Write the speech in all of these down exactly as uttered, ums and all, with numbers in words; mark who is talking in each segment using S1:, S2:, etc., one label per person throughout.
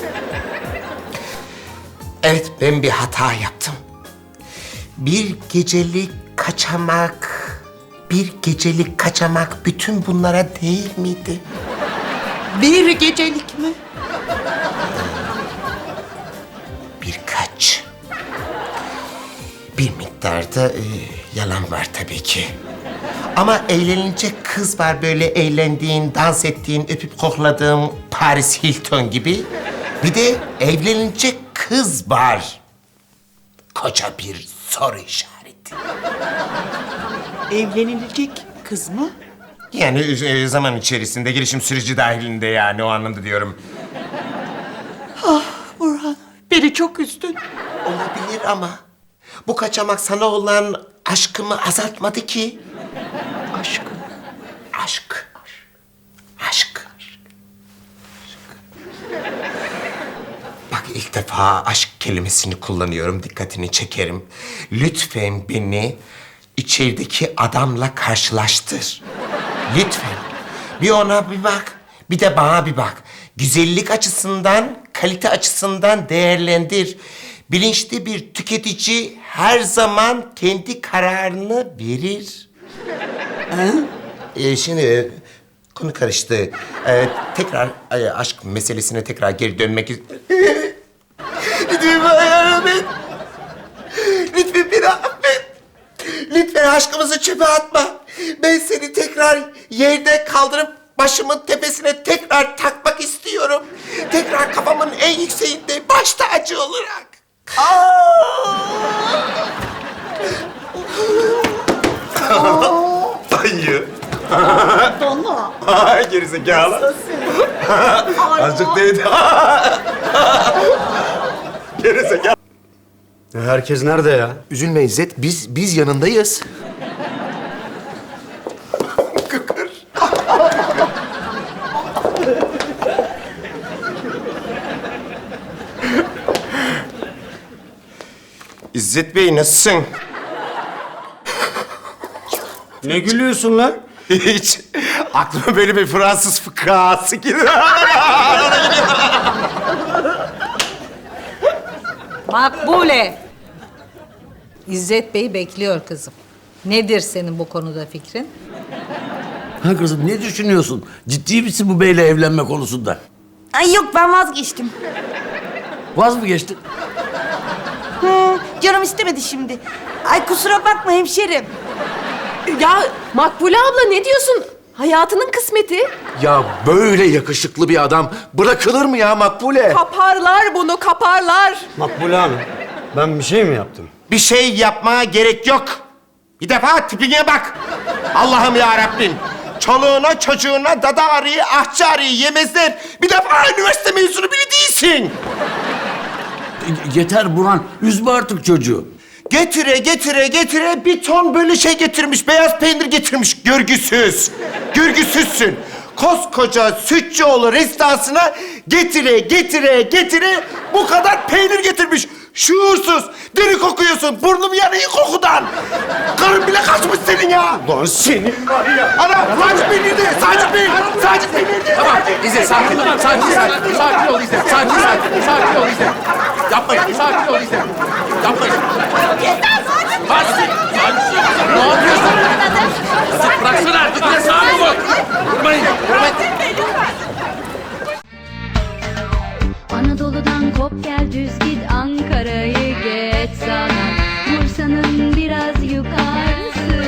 S1: Evet, ben bir hata yaptım. Bir gecelik kaçamak, bir gecelik kaçamak bütün bunlara değil miydi?
S2: Bir gecelik mi?
S1: Birkaç. Bir miktarda e, yalan var tabii ki. Ama eğlenilecek kız var, böyle eğlendiğin, dans ettiğin, öpüp kokladığın Paris Hilton gibi. Bir de evlenilecek kız var. Koca bir soru işareti.
S2: Evlenilecek kız mı?
S1: Yani e, zaman içerisinde, gelişim süreci dahilinde, yani o anlamda diyorum.
S2: Burhan, beni çok üzdün.
S1: Olabilir ama bu kaçamak sana olan aşkımı azaltmadı ki.
S2: Aşkım.
S1: Aşk. Aşk. Bak, ilk defa aşk kelimesini kullanıyorum, dikkatini çekerim. Lütfen beni içerideki adamla karşılaştır. Lütfen. Bir ona bir bak, bir de bana bir bak. Güzellik açısından, kalite açısından değerlendir. Bilinçli bir tüketici her zaman kendi kararını verir. Ee, şimdi e, konu karıştı. Ee, tekrar e, aşk meselesine tekrar geri dönmek istiyorum. Lütfen bana yardım et. Lütfen beni affet. Lütfen aşkımızı çöpe atma. Ben seni tekrar yerde kaldırıp başımın tepesine tekrar takmak istiyorum. Tekrar kafamın en yükseğinde, baş tacı olarak. Dayı.
S2: Dona.
S1: Gerizekalı. Azıcık değdi. Gerizekalı.
S3: Herkes nerede ya?
S4: Üzülme İzzet, biz biz yanındayız.
S1: Kıkır. İzzet Bey, nasılsın?
S3: Ne gülüyorsun lan?
S1: Hiç. Aklıma böyle bir Fransız fıkrası geliyor.
S5: Makbule. İzzet Bey bekliyor kızım. Nedir senin bu konuda fikrin?
S6: Ha kızım, ne düşünüyorsun? Ciddi misin bu beyle evlenme konusunda?
S7: Ay yok, ben vazgeçtim.
S6: Vaz mı geçtin?
S7: Hı, canım istemedi şimdi. Ay kusura bakma hemşerim.
S8: Ya Makbule abla ne diyorsun? Hayatının kısmeti.
S4: Ya böyle yakışıklı bir adam bırakılır mı ya Makbule?
S8: Kaparlar bunu, kaparlar.
S3: Makbule Hanım, ben bir şey mi yaptım?
S1: Bir şey yapmaya gerek yok. Bir defa tipine bak. Allah'ım ya Rabbim. Çoluğuna çocuğuna dada arıyı, ahçı arıyı yemezler. Bir defa üniversite mezunu bile değilsin.
S6: E, Yeter Burhan, üzme artık çocuğu.
S1: Getire getire getire bir ton böyle şey getirmiş. Beyaz peynir getirmiş. Görgüsüz. Görgüsüzsün. Koskoca Sütçüoğlu restoransına getire getire getire bu kadar peynir getirmiş. Şuursuz. Deri kokuyorsun. Burnum yanıyor kokudan. Karın bile kaçmış senin ya.
S4: Lan senin var ya.
S1: Ana sadece peynirdi. Sadece peynir. Sadece peynirdi.
S9: Tamam İzzet, sakin ol. Sakin, sakin, sakin ol İzzet. Sakin, sakin, sakin ol İzzet. Yapmayın, sakin ol İzzet. Yapmayın.
S7: Yeter, sakin.
S9: Sakin, sakin. Ne yapıyorsun? İzzet bıraksana artık. Ya sakin ol. Vurmayın. Vurmayın.
S10: Anadolu'dan kop gel düz git, Ankara'yı geç sana, Bursa'nın biraz yukarısı.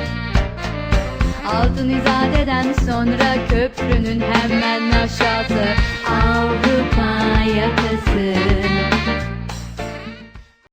S10: Altın İzade'den sonra köprünün hemen aşağısı, Avrupa yakası.